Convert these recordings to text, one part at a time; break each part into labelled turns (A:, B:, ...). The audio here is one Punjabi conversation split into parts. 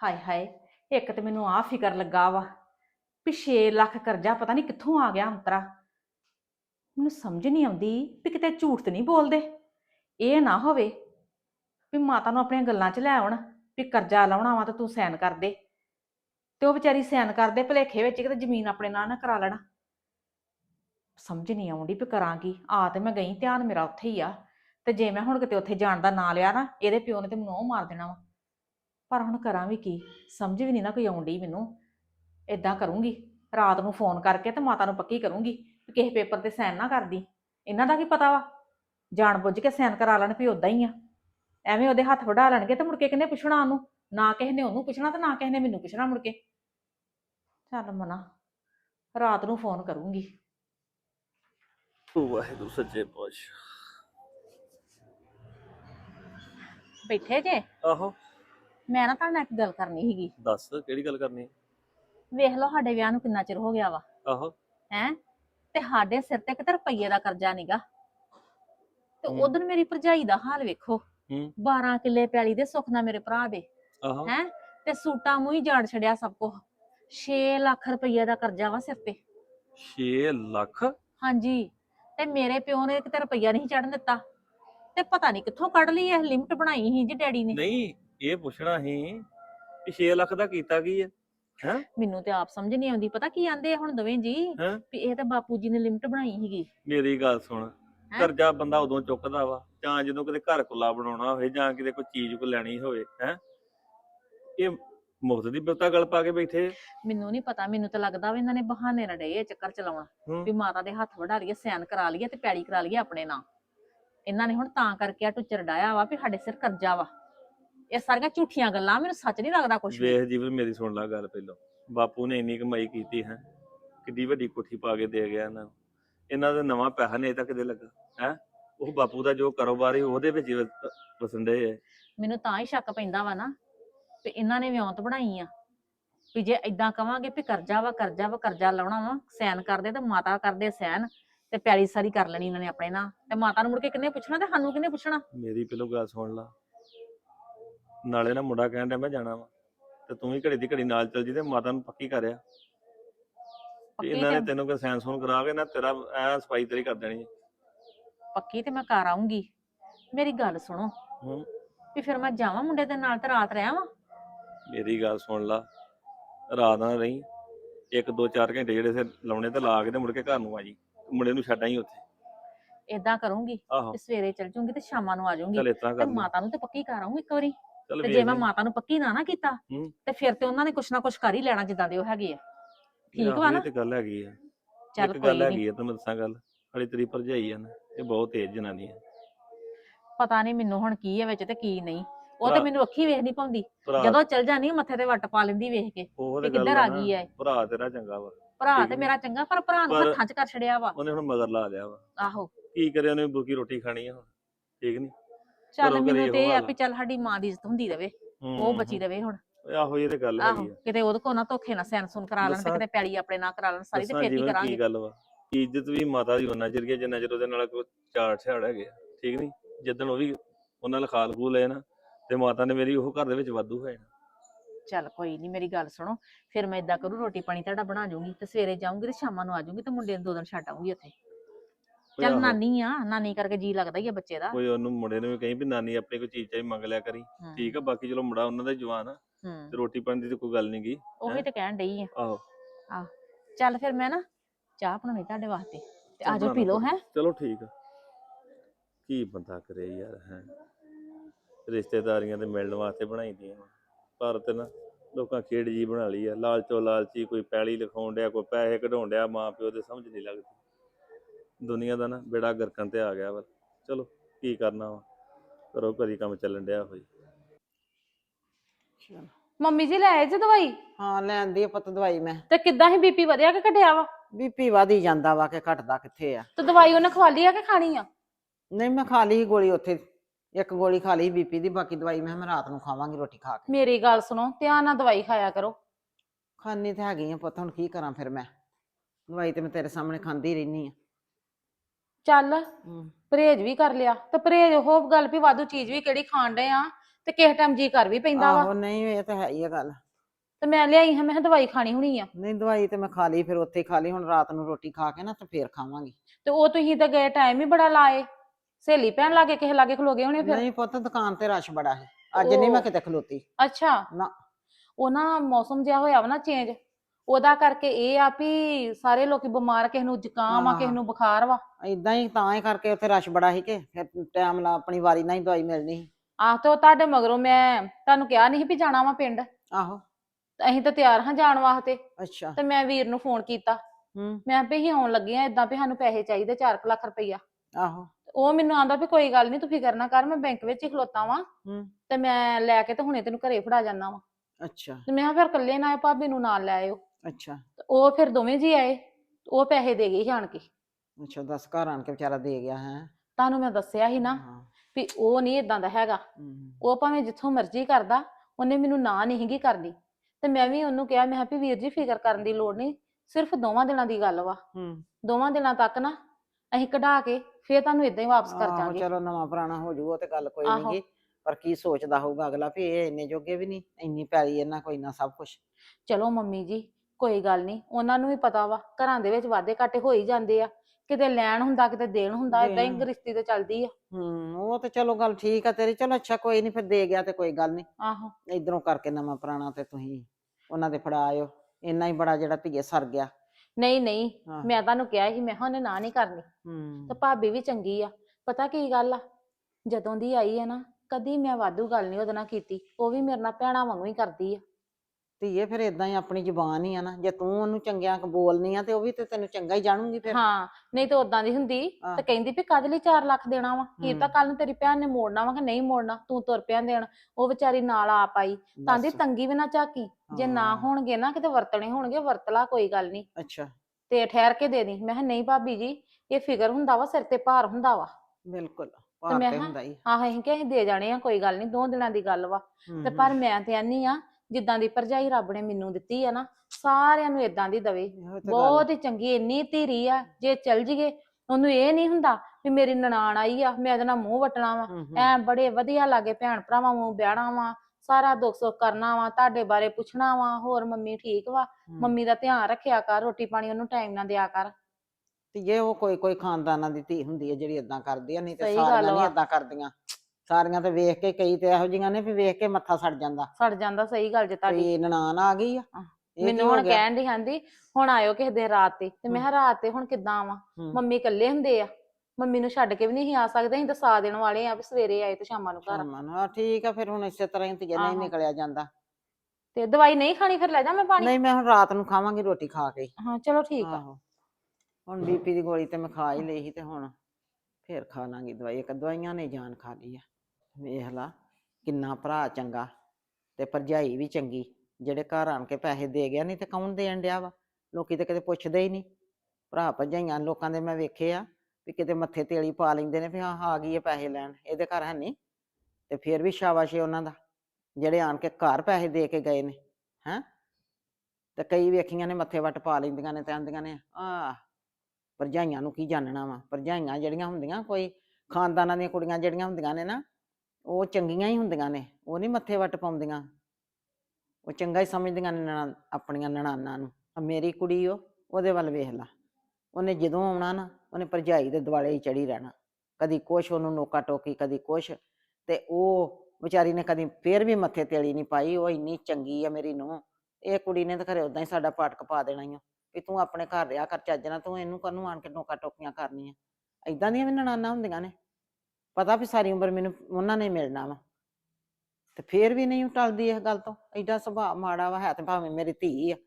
A: ਹਾਏ ਹਾਏ, ਇੱਕ ਤੇ ਮੈਨੂੰ ਆ ਫਿਕਰ ਲੱਗਾ ਵਾ ਵੀ 6 ਲੱਖ ਕਰਜ਼ਾ ਪਤਾ ਨਹੀਂ ਕਿੱਥੋਂ ਆ ਗਿਆ ਅੰਤਰਾ। ਮੈਨੂੰ ਸਮਝ ਨਹੀਂ ਆਉਂਦੀ ਵੀ ਕਿਤੇ ਝੂਠ ਤੇ ਨਹੀਂ ਬੋਲਦੇ। ਇਹ ਨਾ ਹੋਵੇ ਵੀ ਮਾਤਾ ਨੂੰ ਆਪਣੀਆਂ ਗੱਲਾਂ 'ਚ ਲੈ ਆਉਣ ਵੀ ਕਰਜ਼ਾ ਲਾਉਣਾ ਵਾ ਤਾਂ ਤੂੰ ਸਾਈਨ ਕਰ ਦੇ, ਤੇ ਉਹ ਵਿਚਾਰੀ ਸਾਈਨ ਕਰਦੇ ਭੁਲੇਖੇ ਵਿੱਚ ਕਿਤੇ ਜ਼ਮੀਨ ਆਪਣੇ ਨਾਂ ਨਾ ਕਰਾ ਲੈਣਾ। ਸਮਝ ਨਹੀਂ ਆਉਂਦੀ ਵੀ ਕਰਾਂ ਕੀ। ਆ ਤੇ ਮੈਂ ਗਈ, ਧਿਆਨ ਮੇਰਾ ਉੱਥੇ ਹੀ ਆ, ਤੇ ਜੇ ਮੈਂ ਹੁਣ ਕਿਤੇ ਉੱਥੇ ਜਾਣ ਦਾ ਨਾਂ ਲਿਆ ਨਾ, ਇਹਦੇ ਪਿਓ ਨੇ ਤੇ ਮੈਨੂੰ ਉਹ ਮਾਰ ਦੇਣਾ ਵਾ। ਪਰ ਹੁਣ ਕਰਾਂ ਵੀ ਕੀ, ਸਮਝ ਵੀ ਨਹੀਂ ਨਾ ਕੋਈ ਆਉਂਦੀ ਮੈਨੂੰ। ਏਦਾਂ ਕਰੂੰਗੀ, ਰਾਤ ਨੂੰ ਫੋਨ ਕਰਕੇ ਤੇ ਮਾਤਾ ਨੂੰ ਪੱਕੀ ਕਰੂੰਗੀ ਵੀ ਕਿਸੇ ਪੇਪਰ ਤੇ ਸਾਈਨ ਨਾ ਕਰਦੀ। ਇਹਨਾਂ ਦਾ ਕੀ ਪਤਾ ਵਾ, ਜਾਣ ਬੁੱਝ ਕੇ ਸਾਈਨ ਕਰਾ ਲੈਣ ਵੀ ਉਦਾਂ ਹੀ ਆ। ਐਵੇਂ ਉਹਦੇ ਹੱਥ ਵਢਾ ਲੈਣਗੇ ਤੇ ਮੁੜ ਕੇ ਕਿਹਨੇ ਪੁੱਛਣਾ ਉਹਨੂੰ? ਨਾ ਕਿਸੇ ਨੇ ਉਹਨੂੰ ਪੁੱਛਣਾ ਤੇ ਨਾ ਕਿਸੇ ਨੇ ਮੈਨੂੰ ਪੁੱਛਣਾ ਮੁੜ ਕੇ। ਚੱਲ ਮਨਾ, ਰਾਤ ਨੂੰ ਫੋਨ ਕਰੂੰਗੀ।
B: ਵਾਹਿਗੁਰੂ ਸੱਚੇ ਪਾਤਸ਼ਾਹ।
A: ਬੈਠੇ ਜੇ?
B: ਆਹੋ,
A: ਮੈਂ ਨਾ ਤੁਹਾਡੇ ਨਾਲ ਇੱਕ ਗੱਲ ਕਰਨੀ ਸੀਗੀ।
B: ਦੱਸ ਕਿਹੜੀ ਗੱਲ ਕਰਨੀ?
A: ਵੇਖ ਲਓ ਸਾਡੇ ਵਿਆਹ ਨੂੰ ਕਿੰਨਾ ਚਿਰ ਹੋ ਗਿਆ ਵਾ।
B: ਆਹੋ।
A: ਹੈ ਤੇ ਸਾਡੇ ਸਿਰ ਤੇ ਕਿਤੇ ਰੁਪਈਏ ਦਾ ਕਰਜ਼ਾ ਨੀਗਾ। ਤੇ ਉਧਰ ਮੇਰੀ ਭਰਜਾਈ ਦਾ ਹਾਲ ਵੇਖੋ। 12 ਕਿੱਲੇ ਪੈਲੀ ਦੇ ਸੁੱਖ ਨਾਲ ਮੇਰੇ ਭਰਾ ਦੇ।
B: ਆਹੋ।
A: ਹੈ ਤੇ ਸੂਟਾਂ ਮੂੰਹ ਹੀ ਜਾੜ ਛੜਿਆ ਸਭ ਕੁਝ। 6 ਲੱਖ ਰੁਪਈਏ ਦਾ ਕਰਜ਼ਾ ਵਾ ਸਿਰ ਤੇ।
B: 6 ਲੱਖ?
A: ਹਾਂਜੀ। ਤੇ ਮੇਰੇ ਪਿਓ ਨੇ ਕਿਤੇ ਰੁਪਈਆ ਨਹੀਂ ਚੜਨ ਦਿੱਤਾ। ਤੇ ਪਤਾ ਨਹੀਂ ਕਿੱਥੋਂ ਕੱਢ ਲਈ ਇਹ ਲਿਮਟ ਬਣਾਈ ਸੀ ਜੀ ਡੈਡੀ ਨੇ।
B: ਨਹੀਂ, ਇਹ ਪੁੱਛਣਾ ਸੀ ਕਿ 6 ਲੱਖ ਦਾ ਕੀਤਾ ਕੀ ਹੈ? ਹੈ
A: ਮੈਨੂੰ ਤੇ ਆਪ ਸਮਝ ਨਹੀਂ ਆਉਂਦੀ। ਪਤਾ ਕੀ ਆਂਦੇ ਹੁਣ ਦੋਵੇਂ ਜੀ ਵੀ ਇਹ ਤਾਂ ਬਾਪੂ ਜੀ ਨੇ ਲਿਮਟ ਬਣਾਈ ਸੀਗੀ।
B: ਮੇਰੀ ਗੱਲ ਸੁਣ, ਕਰਜ਼ਾ ਬੰਦਾ ਉਦੋਂ ਚੁੱਕਦਾ ਵਾ ਜਾਂ ਜਦੋਂ ਕਿਤੇ ਘਰ ਕੁੱਲਾ ਬਣਾਉਣਾ ਹੋਵੇ ਜਾਂ ਕਿਤੇ ਕੋਈ ਚੀਜ਼ ਕੋ ਲੈਣੀ ਹੋਵੇ। ਹੈ ਇਹ ਮੁਫਤ ਦੀ ਬਿਪਤਾ ਗੱਲ ਪਾ ਕੇ ਬੈਠੇ।
A: ਮੈਨੂੰ ਨਹੀਂ ਪਤਾ, ਮੈਨੂੰ ਤਾਂ ਲੱਗਦਾ ਵੀ ਇਹਨਾਂ ਨੇ ਬਹਾਨੇ ਨਾਲ ਡੇ ਚੱਕਰ ਚਲਾਉਣਾ ਵੀ ਮਾਤਾ ਦੇ ਹੱਥ ਵਢਾ ਲਈਏ, ਸਾਈਨ ਕਰਾ ਲਈਏ ਤੇ ਪੈੜੀ ਕਰਾ ਲਈਏ ਆਪਣੇ ਨਾਂ। ਇਹਨਾਂ ਨੇ ਹੁਣ ਤਾਂ ਕਰਕੇ ਆ ਟੁੱਚਰ ਡਾਇਆ ਵਾ ਵੀ ਸਾਡੇ ਸਿਰ ਕਰਜ਼ਾ ਵਾ। ਇਹ ਸਾਰੀਆਂ ਝੂਠੀਆਂ ਗੱਲਾਂ, ਮੈਨੂੰ ਸੱਚ ਨਹੀਂ ਲੱਗਦਾ ਕੁਝ ਵੀ।
B: ਵੇਖ ਜੀਵਨ, ਮੇਰੀ ਸੁਣ ਲੈ ਗੱਲ ਪਹਿਲਾਂ। ਬਾਪੂ ਨੇ ਇੰਨੀ ਕਮਾਈ ਕੀਤੀ ਹੈ, ਕਿੱਡੀ ਵੱਡੀ ਕੋਠੀ ਪਾ ਕੇ ਦੇ ਗਿਆ ਇਹਨਾਂ ਨੂੰ। ਇਹਨਾਂ ਦਾ ਨਵਾਂ ਪੈਸਾ ਨਹੀਂ ਤੱਕ ਦੇ ਲੱਗਾ। ਹੈ ਉਹ ਬਾਪੂ ਦਾ ਜੋ ਕਾਰੋਬਾਰ ਹੈ ਉਹਦੇ ਵਿੱਚ ਵਸਣ ਦੇ ਹੈ।
A: ਮੈਨੂੰ ਤਾਂ ਹੀ ਸ਼ੱਕ ਪੈਂਦਾ ਵਾ ਨਾ ਵੀ ਇਹਨਾਂ ਨੇ ਵਿਉਂਤ ਬਣਾਈ ਆ ਵੀ ਜੇ ਇਦਾਂ ਕਵਾਂਗੇ ਵੀ ਕਰਜ਼ਾ ਵਾ ਕਰਜ਼ਾ ਵਾ ਕਰਜ਼ਾ ਲਾਉਣਾ ਵਾ, ਸਾਈਨ ਕਰਦੇ ਤੇ ਮਾਤਾ ਕਰਦੇ ਸਾਈਨ ਤੇ ਪੈਲੀ ਸਾਰੀ ਕਰ ਲੈਣੀ ਇਹਨਾਂ ਨੇ ਆਪਣੇ ਨਾਲ। ਤੇ ਮਾਤਾ ਨੂੰ ਮੁੜ ਕੇ ਕਿੰਨੇ ਪੁੱਛਣਾ ਤੇ ਸਾਨੂੰ ਕਿੰਨੇ ਪੁੱਛਣਾ?
B: ਮੇਰੀ ਪਹਿਲੋਂ ਗੱਲ ਸੁਣ ਲਾ। ਨਾਲੇ ਨਾ ਮੁੰਡਾ ਕਹਿਣ ਡਿਆ ਮੈਂ ਜਾਣਾ ਵਾ, ਤੇ ਤੂੰ ਵੀ ਘੜੀ ਦੀ ਘੜੀ ਨਾਲ ਚੱਲ ਜੀ ਤੇ ਮਾਤਾ ਨੂੰ ਪੱਕੀ ਕਰਿਆ। ਇਹਨਾਂ ਨੇ ਤੈਨੂੰ ਕੋਈ ਸਾਈਨ ਸੂਨ ਕਰਾ ਕੇ ਨਾ ਤੇਰਾ ਐ ਸਫਾਈ ਤੇਰੀ ਕਰ ਦੇਣੀ।
A: ਪੱਕੀ ਤੇ ਮੈਂ ਕਰ ਆਉਂਗੀ। ਮੇਰੀ ਗੱਲ ਸੁਣੋ, ਵੀ ਫਿਰ ਮੈਂ ਜਾਵਾਂ ਮੁੰਡੇ ਦੇ ਨਾਲ ਤੇ ਰਾਤ ਰਹਿ ਆਵਾਂ?
B: ਮੇਰੀ ਗੱਲ ਸੁਣ ਲਾ, ਰਾਤ ਨਾ ਰਹੀ। 1-2-4 ਘੰਟੇ ਜਿਹੜੇ ਸੇ ਲਾਉਣੇ ਤੇ ਲਾ ਕੇ ਤੇ ਮੁੜ ਕੇ ਘਰ ਨੂੰ ਆ ਜੀ। ਮੁੰਡੇ ਨੂੰ ਛੱਡ ਆਈ ਉੱਥੇ।
A: ਏਦਾਂ ਕਰੂੰਗੀ ਤੇ ਸਵੇਰੇ ਚੱਲ ਜੂੰਗੀ ਤੇ ਸ਼ਾਮਾਂ ਨੂੰ ਆ ਜਾਊਂਗੀ।
B: ਚੱਲ ਇਤਨਾ
A: ਤੇ
B: ਕਰ
A: ਮਾਤਾ ਨੂੰ ਤੇ ਪੱਕੀ ਕਰ ਆਊਂ ਇੱਕ ਵਾਰੀ।
B: ਚੱਲ
A: ਤੇ ਜੇ ਮੈਂ ਮਾਤਾ ਨੂੰ ਪੱਕੀ ਨਾ ਕੀਤਾ ਤੇ ਫਿਰ ਤੇ ਉਹਨਾਂ ਨੇ ਕੁਛ ਨਾ ਕੁਛ ਕਰ ਹੀ ਲੈਣਾ ਜਿੱਦਾਂ ਦੇ ਉਹ ਹੈਗੇ ਆ। ਠੀਕ ਵਾ ਨਾ?
B: ਇਹ ਤੇ ਗੱਲ ਹੈਗੀ ਆ।
A: ਚੱਲ
B: ਇੱਕ ਗੱਲ ਹੈਗੀ ਆ, ਤੈਨੂੰ ਦੱਸਾਂ ਗੱਲ। ਹਲੇ ਤੇਰੀ ਭਰਜਾਈ ਆ ਨਾ, ਇਹ ਬਹੁਤ ਤੇਜ਼ ਜਨਾਨੀ ਆ।
A: ਪਤਾ ਨਹੀਂ ਮੈਨੂੰ ਹੁਣ ਕੀ ਹੈ ਵਿੱਚ ਤੇ ਕੀ ਨਹੀਂ। ਉਹ ਤੇ ਮੈਨੂੰ ਅੱਖੀ ਵੇਖ ਨਹੀਂ ਪਾਉਂਦੀ। ਜਦੋਂ ਚੱਲ ਜਾਨੀ ਮੱਥੇ ਤੇ ਵੱਟ ਪਾ ਲੈਂਦੀ ਵੇਖ ਕੇ ਵੀ ਕਿੱਧਰ ਆ ਗਈ ਐ।
B: ਭਰਾ ਤੇਰਾ ਚੰਗਾ ਵਾ।
A: ਭਰਾ ਤੇ ਮੇਰਾ ਚੰਗਾ, ਪਰ ਭਰਾ ਨੂੰ ਹੱਥਾਂ 'ਚ ਕਰ ਛੜਿਆ ਵਾ।
B: ਉਹਨੇ ਹੁਣ ਮਗਰ ਲਾ ਲਿਆ ਵਾ।
A: ਆਹੋ,
B: ਕੀ ਕਰੇ, ਉਹਨੇ ਬੁਕੀ ਰੋਟੀ ਖਾਣੀ ਆ ਹੁਣ। ਠੀਕ ਨੀ?
A: ਚੱਲ ਮੈਨੂੰ ਤੇ ਇਹ ਆ ਵੀ ਚੱਲ ਸਾਡੀ ਮਾਂ ਦੀ ਇੱਜ਼ਤ ਹੁੰਦੀ ਰਵੇ, ਉਹ ਬਚੀ ਰਵੇ ਹੁਣ।
B: ਆਹੋ, ਇਹ ਤੇ ਗੱਲ ਹੈਗੀ ਆ।
A: ਕਿਤੇ ਉਹਦੇ ਕੋਲ ਨਾ ਧੋਖੇ ਨਾਲ ਸਾਈਨ ਸੂਨ ਕਰਾ ਲੈਣ ਤੇ ਕਿਤੇ ਪੈਲੀ ਆਪਣੇ ਨਾਲ ਕਰਾ ਲੈਣ ਸਾਰੀ, ਤੇ ਫੇਰ ਕੀ ਕਰਾਂਗੇ?
B: ਕੀ ਗੱਲ ਵਾ, ਇੱਜ਼ਤ ਵੀ ਮਾਤਾ ਦੀ ਉਹਨਾਂ ਚਿਰ ਜਿੰਨਾ ਚਿਰ ਉਹਦੇ ਨਾਲ ਕੋਈ ਚਾਰ ਛਾੜ ਹੈਗੇ। ਠੀਕ ਨੀ? ਜਿੱਦਣ ਉਹ ਵੀ ਉਹਨਾਂ ਨਾਲ ਖਾਲ ਖੂਲ ਲਏ ਨਾ ਤੇ ਮਾਤਾ ਨੇ ਮੇਰੀ ਉਹ ਘਰ ਦੇ ਵਿੱਚ ਵਾਧੂ ਹੋਏ ਨਾ।
A: ਚੱਲ ਕੋਈ ਨਹੀਂ, ਮੇਰੀ ਗੱਲ ਸੁਣੋ, ਫਿਰ ਮੈਂ ਏਦਾਂ ਕਰੂ, ਰੋਟੀ ਪਾਣੀ ਤੁਹਾਡਾ ਬਣਾ ਜਾਊਂਗੀ ਤੇ ਸਵੇਰੇ ਜਾਊਂਗੀ ਤੇ ਸ਼ਾਮਾਂ ਨੂੰ ਆ ਜਾਊਂਗੀ ਤੇ ਮੁੰਡੇ ਨੂੰ 2 ਦਿਨ ਛੱਡ ਆਊਂਗੀ ਉੱਥੇ। ਚੱਲ ਨਾਨੀ ਆ, ਨਾਨੀ ਕਰਕੇ ਜੀ ਲੱਗਦਾ ਹੀ ਆ ਬੱਚੇ ਦਾ।
B: ਕੋਈ ਉਹਨੂੰ ਮੁੰਡੇ ਨੂੰ ਵੀ ਕਹੀਂ ਵੀ ਨਾਨੀ ਆਪਣੀ ਕੋਈ ਚੀਜ਼ ਚਾਹੀ ਮੰਗ ਲਿਆ ਕਰੀ। ਠੀਕ ਆ? ਬਾਕੀ ਚਲੋ ਮੁੰਡਾ ਉਹਨਾਂ ਦਾ ਜਵਾਨ ਆ ਤੇ ਰੋਟੀ ਪਾਣੀ ਦੀ ਤਾਂ ਕੋਈ ਗੱਲ ਨੀ ਗੀ।
A: ਉਹੀ ਤੇ ਕਹਿਣ ਡਈ ਆ।
B: ਆਹੋ
A: ਆਹ ਚੱਲ ਫਿਰ ਮੈਂ ਨਾ ਚਾਹ ਬਣਾਉਣੀ ਤੁਹਾਡੇ ਵਾਸਤੇ ਤੇ ਆਜੋ ਪੀ ਲਓ। ਹੈ
B: ਚਲੋ ਠੀਕ ਆ। ਕੀ ਬੰਦਾ ਕਰੇ ਯਾਰ। ਹੈ ਰਿਸ਼ਤੇਦਾਰੀਆਂ ਤੇ ਮਿਲਣ ਵਾਸਤੇ ਬਣਾਈ ਦੀਆਂ ਪਰ ਤੇ ਨਾ ਲੋਕਾਂ ਖੇਡ ਜੀ ਬਣਾ ਲਈ ਆ। ਲਾਲਚੋ ਲਾਲਚੀ, ਕੋਈ ਪੈਲੀ ਲਿਖਾਉਣ ਡਿਆ, ਕੋਈ ਪੈਸੇ ਕਢਾਉਣ ਡਿਆ। ਮਾਂ ਪਿਓ ਦੇ ਸਮਝ ਨਹੀਂ ਲੱਗਦੀ। ਦੁਨੀਆ ਦਾ ਨਾ ਬੇੜਾ ਗਰਕਣ ਤੇ ਆ ਗਿਆ ਵਾ। ਚਲੋ ਕੀ ਕਰਨਾ ਵਾ, ਕਰੋ ਘਰੀ ਕੰਮ ਚੱਲਣ ਡਿਆ ਹੋਈ।
C: ਮੰਮੀ ਜੀ ਲੈ ਆਏ ਜੇ ਦਵਾਈ?
D: ਹਾਂ ਲੈਂਦੀ ਆ ਪੁੱਤ ਦਵਾਈ ਮੈਂ।
C: ਤੇ ਕਿੱਦਾਂ ਹੀ ਬੀਪੀ ਵਧਿਆ ਕਿ ਘਟਿਆ ਵਾ?
D: ਬੀਪੀ ਵਧ ਹੀ ਜਾਂਦਾ ਵਾ ਕਿ ਘਟਦਾ ਕਿੱਥੇ ਆ।
C: ਤੇ ਦਵਾਈ ਉਹਨੇ ਖਵਾ ਲਈ ਆ ਕਿ ਖਾਣੀ ਆ?
D: ਨਹੀਂ, ਮੈਂ ਖਾ ਲਈ ਗੋਲੀ ਉੱਥੇ। ਇੱਕ ਗੋਲੀ ਖਾ ਲਈ ਬੀਪੀ ਦੀ, ਬਾਕੀ ਦਵਾਈ ਮੈਂ ਰਾਤ ਨੂੰ ਖਾਵਾਂਗੀ ਰੋਟੀ ਖਾ ਕੇ।
C: ਮੇਰੀ ਗੱਲ ਸੁਣੋ, ਧਿਆਨ ਨਾਲ ਦਵਾਈ ਖਾਇਆ ਕਰੋ।
D: ਖਾਣੀ ਤੇ ਹੈਗੀ ਆ ਪੁੱਤ, ਹੁਣ ਕੀ ਕਰਾਂ ਫਿਰ ਮੈਂ। ਦਵਾਈ ਤੇ ਮੈਂ ਤੇਰੇ ਸਾਹਮਣੇ ਖਾਂਦੀ ਰਹਿਨੀ ਆ।
C: ਚੱਲ ਪਰਹੇਜ ਵੀ ਕਰ ਲਿਆ ਤੇ ਪਰਹੇਜ ਉਹ ਗੱਲ ਵੀ ਵਾਧੂ ਚੀਜ਼ ਵੀ ਕਿਹੜੀ ਖਾਣ ਡਏ ਆ ਤੇ ਕਿਸੇ ਟਾਈਮ ਜੀ ਕਰ ਵੀ ਪੈਂਦਾ ਵਾ।
D: ਆਹੋ ਨਹੀਂ ਇਹ ਤਾਂ ਹੈ ਹੀ ਆ ਗੱਲ।
C: ਤੇ ਮੈਂ ਲਿਆਈ ਹਾਂ, ਮੈਂ ਕਿਹਾ ਦਵਾਈ ਖਾਣੀ ਹੋਣੀ ਆ।
D: ਨਹੀਂ ਦਵਾਈ ਤੇ ਮੈਂ ਖਾ ਲਈ, ਫਿਰ ਉੱਥੇ ਹੀ ਖਾ ਲਈ। ਹੁਣ ਰਾਤ ਨੂੰ ਰੋਟੀ ਖਾ ਕੇ ਨਾ ਤੇ ਫੇਰ ਖਾਵਾਂਗੀ।
C: ਤੇ ਉਹ ਤੁਸੀਂ ਤਾਂ ਗਏ ਟਾਈਮ ਹੀ ਬੜਾ ਲਾਏ, ਸਹੇਲੀ ਭੈਣ ਲਾਗੇ ਕਿਸੇ ਲਾਗੇ ਖਲੋਗੇ ਹੋਣੇ ਫਿਰ।
D: ਨਹੀਂ ਪੁੱਤ ਦੁਕਾਨ ਤੇ ਰਸ਼ ਬੜਾ ਹੈ, ਅੱਜ ਨਹੀਂ ਮੈਂ ਕਿਤੇ ਖਲੋਤੀ।
C: ਅੱਛਾ।
D: ਨਾ
C: ਉਹ ਨਾ ਮੌਸਮ ਜਿਹਾ ਹੋਇਆ ਵਾ ਨਾ ਚੇਂਜ, ਉਹਦਾ ਕਰਕੇ ਇਹ ਆ ਵੀ ਸਾਰੇ ਲੋਕੀ ਬਿਮਾਰ, ਕਿਸੇ ਨੂੰ ਜ਼ੁਕਾਮ ਆ, ਕਿਸੇ ਨੂੰ ਬੁਖਾਰ ਵਾ।
D: ਇਦਾਂ ਹੀ ਤਾਂ ਹੀ ਕਰਕੇ ਉੱਥੇ ਰਸ਼ ਬੜਾ ਸੀ ਕਿ ਫਿਰ ਟਾਈਮ ਨਾਲ ਆਪਣੀ ਵਾਰੀ ਨਾਲ ਹੀ ਦਵਾਈ ਮਿਲਣੀ ਸੀ।
C: ਆਹ ਤੇ ਉਹ ਤੁਹਾਡੇ ਮਗਰੋਂ ਮੈਂ ਤੁਹਾਨੂੰ ਕਿਹਾ ਨਹੀਂ ਵੀ ਜਾਣਾ ਵਾ ਪਿੰਡ,
D: ਆਹੋ
C: ਤੇ ਅਸੀਂ ਤਾਂ ਤਿਆਰ ਹਾਂ ਜਾਣ ਵਾਸਤੇ।
D: ਅੱਛਾ।
C: ਤੇ ਮੈਂ ਵੀਰ ਨੂੰ ਫੋਨ ਕੀਤਾ, ਮੈਂ ਵੀ ਅਸੀਂ ਆਉਣ ਲੱਗੇ ਆ, ਇਦਾਂ ਵੀ ਸਾਨੂੰ ਪੈਸੇ ਚਾਹੀਦੇ 4 ਲੱਖ ਰੁਪਈਆ।
D: ਆਹੋ
C: ਉਹ ਮੈਨੂੰ ਆਂਦਾ ਵੀ ਕੋਈ ਗੱਲ ਨਹੀਂ ਤੂੰ ਫਿਕਰ ਨਾ ਕਰ, ਮੈਂ ਬੈਂਕ ਵਿੱਚ ਹੀ ਖਲੋਤਾ ਵਾਂ ਤੇ ਮੈਂ ਲੈ ਕੇ ਤੇ ਹੁਣੇ ਤੈਨੂੰ ਘਰੇ ਫੜਾ ਜਾਣਾ ਵਾ।
D: ਅੱਛਾ
C: ਤੇ ਮੈਂ ਕਿਹਾ ਫਿਰ ਇਕੱਲੇ ਨਾ ਆਇਓ, ਭਾਬੀ ਨੂੰ ਨਾਲ ਲੈ ਆਇਓ।
D: ਅੱਛਾ
C: ਤੇ ਉਹ ਫਿਰ ਦੋਵੇਂ ਜੀ ਆਏ, ਉਹ ਪੈਸੇ ਦੇ ਗਏ ਜਾਣ ਕੇ।
D: ਅੱਛਾ ਦੱਸ, ਘਰ ਆਣ ਕੇ ਵਿਚਾਰਾ ਦੇ ਗਿਆ ਹੈ।
C: ਤੁਹਾਨੂੰ ਮੈਂ ਦੱਸਿਆ ਸੀ ਨਾ ਵੀ ਉਹ ਨਹੀਂ ਇਦਾਂ ਦਾ ਹੈਗਾ। ਉਹ ਭਾਵੇਂ ਜਿੱਥੋਂ ਮਰਜ਼ੀ ਕਰਦਾ, ਉਹਨੇ ਮੈਨੂੰ ਨਾ ਨਹੀਂ ਗੀ ਕਰਨੀ। ਤੇ ਮੈਂ ਵੀ ਉਹਨੂੰ ਕਿਹਾ, ਮੈਂ ਕਿਹਾ ਵੀ ਵੀਰ ਜੀ ਫਿਕਰ ਕਰਨ ਦੀ ਲੋੜ ਨਹੀਂ, ਸਿਰਫ 2 ਦਿਨਾਂ ਦੀ ਗੱਲ ਵਾ। 2 ਦਿਨਾਂ ਤੱਕ ਨਾ ਅਸੀਂ ਕਢਾ ਕੇ ਫੇਰ ਤੁਹਾਨੂੰ ਇਦਾਂ ਹੀ ਵਾਪਸ ਕਰ ਜਾਾਂਗੇ।
D: ਚਲੋ ਨਵਾਂ ਪੁਰਾਣਾ ਹੋ ਜਾਊ, ਉਹ ਤੇ ਗੱਲ ਕੋਈ ਨਹੀਂ ਗੀ, ਪਰ ਕੀ ਸੋਚਦਾ ਹੋਊਗਾ ਅਗਲਾ ਵੀ ਇਹ ਇੰਨੇ ਜੋਗੇ ਵੀ ਨਹੀਂ, ਇੰਨੀ ਪੈਲੀ ਇਹਨਾਂ ਕੋਈ ਨਾ ਸਭ ਕੁਝ।
C: ਚਲੋ ਮੰਮੀ ਜੀ ਕੋਈ ਗੱਲ ਨਹੀਂ, ਉਹਨਾਂ ਨੂੰ ਵੀ ਪਤਾ ਵਾ ਘਰਾਂ ਦੇ ਵਿੱਚ ਵਾਧੇ ਘਾਟੇ ਹੋ ਹੀ ਜਾਂਦੇ ਆ, ਕਿਤੇ ਲੈਣ ਹੁੰਦਾ ਕਿਤੇ ਦੇਣ ਹੁੰਦਾ, ਇਦਾਂ ਹੀ ਗ੍ਰਿਸ਼ਤੀ ਤੇ ਚੱਲਦੀ ਆ।
D: ਉਹ ਤੇ ਚਲੋ ਗੱਲ ਠੀਕ ਆ ਤੇਰੀ। ਚਲੋ ਅੱਛਾ ਕੋਈ ਨਹੀਂ, ਫਿਰ ਦੇ ਗਿਆ ਤੇ ਕੋਈ ਗੱਲ ਨਹੀਂ।
C: ਆਹੋ
D: ਇਧਰੋਂ ਕਰਕੇ ਨਵਾਂ ਪੁਰਾਣਾ ਤੇ ਤੁਸੀਂ ਉਹਨਾਂ ਦੇ ਫੜਾ ਆਇਓ, ਇੰਨਾ ਹੀ ਬੜਾ ਜਿਹੜਾ ਧੀਏ ਸਰ ਗਿਆ।
C: ਨਹੀਂ ਨਹੀਂ, ਮੈਂ ਤੁਹਾਨੂੰ ਕਿਹਾ ਸੀ, ਮੈਂ ਕਿਹਾ ਉਹਨੇ ਨਾ ਨਹੀਂ ਕਰਨੀ। ਤੇ ਭਾਬੀ ਵੀ ਚੰਗੀ ਆ। ਪਤਾ ਕੀ ਗੱਲ ਆ, ਜਦੋਂ ਦੀ ਆਈ ਆ ਨਾ ਕਦੀ ਮੈਂ ਵਾਧੂ ਗੱਲ ਨਹੀਂ ਉਹਦੇ ਨਾਲ ਕੀਤੀ, ਉਹ ਵੀ ਮੇਰੇ ਨਾਲ ਭੈਣਾਂ ਵਾਂਗੂ ਹੀ ਕਰਦੀ ਆ।
D: ਧੀਏ ਫਿਰ ਇਦਾਂ ਹੀ ਆਪਣੀ ਜ਼ੁਬਾਨ ਹੀ ਆ ਨਾ, ਜੇ ਤੂੰ ਉਹਨੂੰ ਚੰਗਿਆ ਬੋਲਨੀ ਆ ਤੇ ਉਹ ਵੀ ਤੇ ਤੈਨੂੰ ਚੰਗਾ ਹੀ ਜਾਣੂਗੀ ਫਿਰ।
C: ਹਾਂ ਨਹੀਂ ਤਾਂ ਉਦਾਂ ਦੀ ਹੁੰਦੀ ਤੇ ਕਹਿੰਦੀ ਵੀ ਕਦ ਲਈ 4 ਲੱਖ ਦੇਣਾ ਵਾ, ਕੀ ਤਾਂ ਕੱਲ ਨੂੰ ਤੇਰੀ ਭੈਣ ਨੇ ਮੋੜਨਾ ਵਾ ਕਿ ਨਹੀਂ ਮੋੜਨਾ, ਤੂੰ ਤੁਰ ਪਿਆ ਦੇਣ। ਉਹ ਵਿਚਾਰੀ ਨਾਲ ਆ ਪਾਈ, ਕਹਿੰਦੀ ਤੰਗੀ ਵੀ ਨਾ ਝਾਕੀ, ਜੇ ਨਾ ਹੋਣਗੇ ਨਾ ਕਿਤੇ ਵਰਤਣੇ ਹੋਣਗੇ ਵਰਤ ਲਾ, ਕੋਈ ਗੱਲ ਨਹੀਂ।
D: ਅੱਛਾ
C: ਤੇ ਠਹਿਰ ਕੇ ਦੇ ਦੀ। ਮੈਂ ਕਿਹਾ ਨਹੀਂ ਭਾਬੀ ਜੀ, ਇਹ ਫਿਕਰ ਹੁੰਦਾ ਵਾ, ਸਿਰ ਤੇ ਭਾਰ ਹੁੰਦਾ ਵਾ।
D: ਬਿਲਕੁਲ
C: ਤੇ
D: ਭਾਰ
C: ਮੈਂ
D: ਤੇ
C: ਕਿਹਾ
D: ਹੁੰਦਾ ਹੀ।
C: ਆਹ ਅਸੀਂ ਕਿ ਅਸੀਂ ਦੇ ਜਾਣੇ ਆ, ਕੋਈ ਗੱਲ ਨਹੀਂ, 2 ਦਿਨਾਂ ਦੀ ਗੱਲ ਵਾ। ਤੇ ਪਰ ਮੈਂ ਤੇ ਆਨੀ ਆ, ਜਿੱਦਾਂ ਦੀ ਭਰਜਾਈ ਰੱਬ ਨੇ ਮੈਨੂੰ ਦਿੱਤੀ ਆ ਨਾ, ਸਾਰਿਆਂ ਨੂੰ ਇਦਾਂ ਦੀ ਦਵੇ। ਬਹੁਤ ਹੀ ਚੰਗੀ, ਇੰਨੀ ਧੀਰੀ ਆ, ਜੇ ਚੱਲ ਜੀਏ ਉਹਨੂੰ ਇਹ ਨਹੀਂ ਹੁੰਦਾ ਵੀ ਮੇਰੀ ਨਨਾਣ ਆਈ ਆ ਮੈਂ ਇਹਦੇ ਨਾਲ ਮੂੰਹ ਵਟਣਾ ਵਾ। ਐ ਬੜੇ ਵਧੀਆ ਲਾਗੇ ਭੈਣ ਭਰਾਵਾਂ ਨੂੰ ਬਹਿਣਾ ਵਾ, ਸਾਰਾ ਦੁੱਖ ਸੁੱਖ ਕਰਨਾ ਵਾ, ਤੁਹਾਡੇ ਬਾਰੇ ਪੁੱਛਣਾ ਵਾ, ਹੋਰ ਮੰਮੀ ਠੀਕ ਵਾ, ਮੰਮੀ ਦਾ ਧਿਆਨ ਰੱਖਿਆ ਕਰ, ਰੋਟੀ ਪਾਣੀ ਉਹਨੂੰ ਟਾਈਮ ਨਾਲ ਦਿਆ ਕਰ।
D: ਤੇ ਜੇ ਉਹ ਕੋਈ ਖਾਨਦਾਨਾਂ ਦੀ ਧੀ ਹੁੰਦੀ ਹੈ ਜਿਹੜੀ ਏਦਾਂ ਕਰਦੀ ਆ, ਨਹੀਂ ਤੇ
C: ਸਹੀ
D: ਸਾਰੀਆਂ
C: ਗੱਲ
D: ਨਹੀਂ
C: ਵਾ।
D: ਏਦਾਂ ਕਰਦੀਆਂ। ਸਾਰੀਆਂ ਤੇ ਵੇਖ ਕੇ, ਕਈ ਤੇ ਇਹੋ ਜਿਹੀਆਂ ਨੇ ਵੀ ਵੇਖ ਕੇ ਮੱਥਾ ਸੜ ਜਾਂਦਾ।
C: ਸੜ ਜਾਂਦਾ, ਸਹੀ ਗੱਲ ਜੇ ਤੁਹਾਡੀ।
D: ਤੇ ਨਨਾਣ ਆ ਗਈ ਆ, ਇਹ
C: ਮੈਨੂੰ
D: ਕੀ ਹੋ
C: ਹੁਣ
D: ਗਿਆ?
C: ਕਹਿਣ ਦੀ ਕਹਿੰਦੀ ਹੁਣ ਆਇਓ ਕਿਸੇ ਦਿਨ ਰਾਤ ਤੇ ਮੈਂ ਕਿਹਾ ਰਾਤ ਤੇ ਹੁਣ ਕਿੱਦਾਂ ਆਵਾਂ, ਮੰਮੀ ਇਕੱਲੇ ਹੁੰਦੇ ਆ, ਮੰਮੀ ਨੂੰ ਛੱਡ ਕੇ ਵੀ ਨਹੀਂ ਆ ਸਕਦੇ, ਅਸੀਂ ਤਾਂ ਸਾ ਦੇਣ ਵਾਲੇ ਆ ਵੀ ਸਵੇਰੇ ਆਏ ਤੇ ਸ਼ਾਮਾਂ ਨੂੰ ਘਰ।
D: ਸ਼ਾਮਾਂ ਨੂੰ ਠੀਕ ਆ, ਫਿਰ ਹੁਣ ਇਸੇ ਤਰ੍ਹਾਂ ਹੀ ਧੀਏ ਨਹੀਂ ਨਿਕਲਿਆ ਜਾਂਦਾ।
C: ਤੇ ਦਵਾਈ ਨਹੀਂ ਖਾਣੀ ਫਿਰ ਲੈ ਜਾ ਮੈਂ ਪਾਣੀ।
D: ਨਹੀਂ ਮੈਂ ਹੁਣ ਰਾਤ ਨੂੰ ਖਾਵਾਂਗੀ ਰੋਟੀ ਖਾ ਕੇ।
C: ਹਾਂ ਚਲੋ ਠੀਕ ਆ।
D: ਹੁਣ ਬੀਪੀ ਦੀ ਗੋਲੀ ਤੇ ਮੈਂ ਖਾ ਹੀ ਲਈ ਸੀ, ਤੇ ਹੁਣ ਫੇਰ ਖਾ ਲਾਂਗੀ ਦਵਾਈ। ਇੱਕ ਦਵਾਈਆਂ ਨੇ ਜਾਨ ਖਾ ਲਈ ਆ। ਵੇਖ ਲਾ ਕਿੰਨਾ ਭਰਾ ਚੰਗਾ ਤੇ ਭਰਜਾਈ ਵੀ ਚੰਗੀ, ਜਿਹੜੇ ਘਰ ਆਣ ਕੇ ਪੈਸੇ ਦੇ ਗਿਆ, ਨਹੀਂ ਤੇ ਕੌਣ ਦੇਣ ਡਿਆ ਵਾ? ਲੋਕੀ ਤੇ ਕਿਤੇ ਪੁੱਛਦੇ ਹੀ ਨਹੀਂ। ਭਰਾ ਭਰਜਾਈਆਂ ਲੋਕਾਂ ਦੇ ਮੈਂ ਵੇਖੇ ਆ ਵੀ ਕਿਤੇ ਮੱਥੇ ਤੇਲੀ ਪਾ ਲੈਂਦੇ ਨੇ ਵੀ ਹਾਂ ਆ ਗਈ ਹੈ ਪੈਸੇ ਲੈਣ, ਇਹਦੇ ਘਰ ਹੈ ਨਹੀਂ। ਤੇ ਫਿਰ ਵੀ ਸ਼ਾਬਾਸ਼ ਏ ਉਹਨਾਂ ਦਾ, ਜਿਹੜੇ ਆਣ ਕੇ ਘਰ ਪੈਸੇ ਦੇ ਕੇ ਗਏ ਨੇ। ਹੈਂ ਤੇ ਕਈ ਵੇਖੀਆਂ ਨੇ ਮੱਥੇ ਵੱਟ ਪਾ ਲੈਂਦੀਆਂ ਨੇ ਤੇ ਆਂਦੀਆਂ ਨੇ ਭਰਜਾਈਆਂ ਨੂੰ ਕੀ ਜਾਣਨਾ ਵਾ। ਭਰਜਾਈਆਂ ਜਿਹੜੀਆਂ ਹੁੰਦੀਆਂ, ਕੋਈ ਖਾਨਦਾਨਾਂ ਦੀਆਂ ਕੁੜੀਆਂ ਜਿਹੜੀਆਂ ਹੁੰਦੀਆਂ ਨੇ ਨਾ, ਉਹ ਚੰਗੀਆਂ ਹੀ ਹੁੰਦੀਆਂ ਨੇ, ਉਹ ਨਹੀਂ ਮੱਥੇ ਵੱਟ ਪਾਉਂਦੀਆਂ, ਉਹ ਚੰਗਾ ਹੀ ਸਮਝਦੀਆਂ ਨੇ ਆਪਣੀਆਂ ਨਨਾਣਾਂ ਨੂੰ। ਮੇਰੀ ਕੁੜੀ ਉਹਦੇ ਵੱਲ ਵੇਖ ਲਾ, ਉਹਨੇ ਜਦੋਂ ਆਉਣਾ ਨਾ ਉਹਨੇ ਭਰਜਾਈ ਦੇ ਦੁਆਲੇ ਹੀ ਚੜੀ ਰਹਿਣਾ, ਕਦੀ ਕੁਛ ਉਹਨੂੰ ਨੋਕਾ ਟੋਕੀ, ਕਦੀ ਕੁਛ। ਤੇ ਉਹ ਵਿਚਾਰੀ ਨੇ ਕਦੀ ਫੇਰ ਵੀ ਮੱਥੇ ਤੇਲੀ ਨਹੀਂ ਪਾਈ। ਉਹ ਇੰਨੀ ਚੰਗੀ ਆ ਮੇਰੀ ਨੂੰਹ। ਇਹ ਕੁੜੀ ਨੇ ਤਾਂ ਘਰੇ ਉਦਾਂ ਹੀ ਸਾਡਾ ਪਾਟਕ ਪਾ ਦੇਣਾ ਹੀ ਆ ਵੀ ਤੂੰ ਆਪਣੇ ਘਰ ਰਿਹਾ ਕਰ ਚੱਜ ਨਾਲ, ਤੂੰ ਇਹਨੂੰ ਕਾਹਨੂੰ ਆਣ ਕੇ ਨੋਕਾ ਟੋਕੀਆਂ ਕਰਨੀਆਂ। ਏਦਾਂ ਦੀਆਂ ਵੀ ਨਨਾਣਾਂ ਹੁੰਦੀਆਂ ਨੇ, ਪਤਾ ਵੀ ਸਾਰੀ ਉਮਰ ਮੈਨੂੰ ਉਹਨਾਂ ਨੇ ਮਿਲਣਾ ਵਾ, ਤੇ ਫੇਰ ਵੀ ਨਹੀਂ ਟਲਦੀ ਇਸ ਗੱਲ ਤੋਂ। ਏਡਾ ਸੁਭਾਅ ਮਾੜਾ ਵਾ, ਹੈ ਤੇ ਭਾਵੇਂ ਮੇਰੀ ਧੀ ਆ,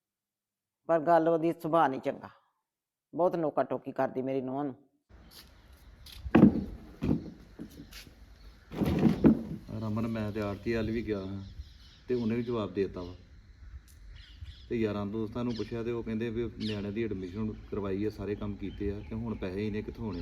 D: ਪਰ ਗੱਲ ਉਹਦੀ ਸੁਭਾਅ ਨਹੀਂ ਚੰਗਾ, ਬਹੁਤ ਨੋਕਾ ਟੋਕੀ ਕਰਦੀ ਮੇਰੀ ਨੂੰਹ ਨੂੰ।
E: ਰਮਨ ਮੈਂ ਤੇ ਆਰਤੀ ਵੱਲ ਵੀ ਗਿਆ ਹਾਂ ਤੇ ਉਹਨੇ ਵੀ ਜਵਾਬ ਦੇ ਦਿੱਤਾ ਵਾ, ਤੇ ਯਾਰਾਂ ਦੋਸਤਾਂ ਨੂੰ ਪੁੱਛਿਆ ਤੇ ਉਹ ਕਹਿੰਦੇ ਵੀ ਨਿਆਣੇ ਦੀ ਐਡਮਿਸ਼ਨ ਕਰਵਾਈ ਆ, ਸਾਰੇ ਕੰਮ ਕੀਤੇ ਆ, ਤੇ ਹੁਣ ਪੈਸੇ ਇਹਨੇ ਕਿੱਥੋਂ ਹੋਣੇ।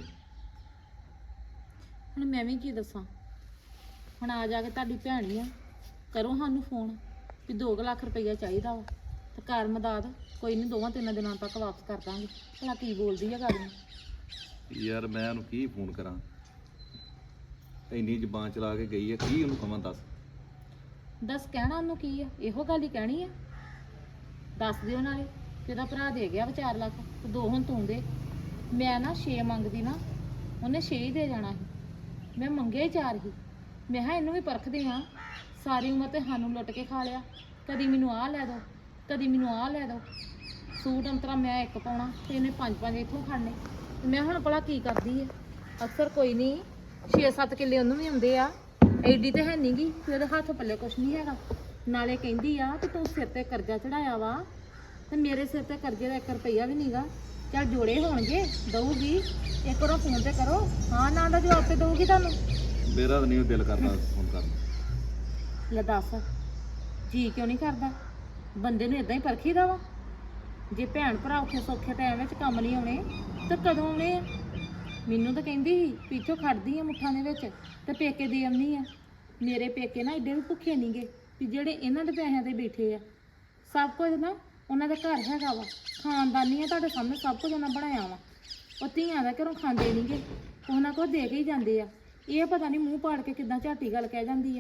C: ਹੁਣ ਮੈਂ ਵੀ ਕੀ ਦੱਸਾਂ, ਹੁਣ ਆ ਜਾ ਕੇ ਤੁਹਾਡੀ ਭੈਣ ਹੀ ਆ, ਕਰੋ ਸਾਨੂੰ ਫੋਨ ਵੀ 2 ਲੱਖ ਰੁਪਈਆ ਚਾਹੀਦਾ ਵਾ ਤੇ ਘਰ ਮਦਦ ਕੋਈ ਨਹੀਂ 2-3 ਦਿਨਾਂ ਤੱਕ ਵਾਪਸ ਕਰ ਦਾਂਗੇ। ਭਲਾ ਕੀ ਬੋਲਦੀ ਆ ਗੱਲ ਨੂੰ।
E: ਯਾਰ ਮੈਂ ਉਹਨੂੰ ਕੀ ਫੋਨ ਕਰਾਂ, ਇੰਨੀ ਜ਼ਬਾਨ ਚਲਾ ਕੇ ਗਈ ਹੈ, ਕੀ ਉਹਨੂੰ ਕਵਾਂ ਦੱਸ।
C: ਦੱਸ ਕਹਿਣਾ ਉਹਨੂੰ ਕੀ ਆ, ਇਹੋ ਗੱਲ ਹੀ ਕਹਿਣੀ ਆ। ਦੱਸ ਦਿਓ ਨਾਲੇ ਕਿ ਉਹਦਾ ਭਰਾ ਦੇ ਗਿਆ ਵਾ 4 ਲੱਖ ਤੇ 2 ਹੁਣ ਤੂੰ ਦੇ। ਮੈਂ ਨਾ 6 ਮੰਗਦੀ ਨਾ, ਉਹਨੇ 6 ਹੀ ਦੇ ਜਾਣਾ ਸੀ। ਮੈਂ ਮੰਗਿਆ ਹੀ 4 ਹੀ। ਮੈਂ ਕਿਹਾ ਇਹਨੂੰ ਵੀ ਪਰਖਦੇ ਹਾਂ, ਸਾਰੀ ਉਮਰ ਤੇ ਸਾਨੂੰ ਲੁੱਟ ਕੇ ਖਾ ਲਿਆ। ਕਦੀ ਮੈਨੂੰ ਆਹ ਲੈ ਦੋ, ਕਦੀ ਮੈਨੂੰ ਆਹ ਲੈ ਦੋ। ਸੂਟ ਅੰਤਰਾ ਮੈਂ ਇੱਕ ਪਾਉਣਾ ਤੇ ਇਹਨੇ 5-5 ਇੱਥੋਂ ਖੜਨੇ। ਤੇ ਮੈਂ ਹੁਣ ਭਲਾ ਕੀ ਕਰਦੀ ਹੈ। ਅਕਸਰ ਕੋਈ ਨਹੀਂ, 6-7 ਕਿੱਲੇ ਉਹਨੂੰ ਵੀ ਆਉਂਦੇ ਆ। ਐਡੀ ਤੇ ਹੈ ਨੀ ਗੀ ਕਿ ਉਹਦੇ ਹੱਥ ਪੱਲੇ ਕੁਛ ਨਹੀਂ ਹੈਗਾ। ਨਾਲੇ ਕਹਿੰਦੀ ਆ ਕਿ ਤੂੰ ਸਿਰ ਤੇ ਕਰਜ਼ਾ ਚੜਾਇਆ ਵਾ ਤੇ ਮੇਰੇ ਸਿਰ ਤੇ ਕਰਜ਼ੇ ਦਾ 1 ਰੁਪਈਆ ਵੀ ਨਹੀਂਗਾ। ਚੱਲ ਜੋੜੇ ਹੋਣਗੇ, ਦਊਗੀ। ਇੱਕ ਵਾਰ ਫੋਨ ਤੇ ਕਰੋ, ਹਾਂ ਨਾ ਦਾ ਜਵਾਬ ਤੇ ਦਊਗੀ ਤੁਹਾਨੂੰ।
E: ਮੇਰਾ ਤਾਂ ਨਹੀਂ ਦਿਲ ਕਰਦਾ ਫੋਨ ਕਰਨ ਨੂੰ।
C: ਲੈ ਦੱਸ, ਜੀ ਕਿਉਂ ਨਹੀਂ ਕਰਦਾ? ਬੰਦੇ ਨੂੰ ਇਦਾਂ ਹੀ ਪਰਖੀਦਾ ਵਾ। ਜੇ ਭੈਣ ਭਰਾ ਔਖੇ ਸੌਖੇ ਟਾਈਮ ਵਿੱਚ ਕੰਮ ਨਹੀਂ ਆਉਣੇ ਤਾਂ ਕਦੋਂ ਆਉਣੇ ਆ? ਮੈਨੂੰ ਤਾਂ ਕਹਿੰਦੀ ਸੀ ਪਿੱਛੋਂ ਖੜਦੀ ਆ ਮੁੱਠਾਂ ਦੇ ਵਿੱਚ ਤੇ ਪੇਕੇ ਦੇ ਆਉਂਦੀ ਆ। ਮੇਰੇ ਪੇਕੇ ਨਾ ਏਡੇ ਵੀ ਭੁੱਖੇ ਨਹੀਂਗੇ ਵੀ ਜਿਹੜੇ ਇਹਨਾਂ ਦੇ ਪੈਸਿਆਂ ਤੇ ਬੈਠੇ ਆ। ਸਭ ਕੁਝ ਨਾ ਉਹਨਾਂ ਦੇ ਘਰ ਹੈਗਾ ਵਾ, ਖਾਨਦਾਨੀ ਆ। ਤੁਹਾਡੇ ਸਾਹਮਣੇ ਸਭ ਕੁਝ ਉਹਨਾਂ ਬਣਾਇਆ ਵਾ। ਉਹ ਧੀਆਂ ਦਾ ਘਰੋਂ ਖਾਂਦੇ ਨਹੀਂਗੇ, ਕੁਛ ਨਾ ਕੁਛ ਦੇ ਕੇ ਹੀ ਜਾਂਦੇ ਆ। ਇਹ ਪਤਾ ਨਹੀਂ ਮੂੰਹ ਪਾੜ ਕੇ ਕਿੱਦਾਂ ਝਾਟੀ ਗੱਲ ਕਹਿ ਜਾਂਦੀ ਆ।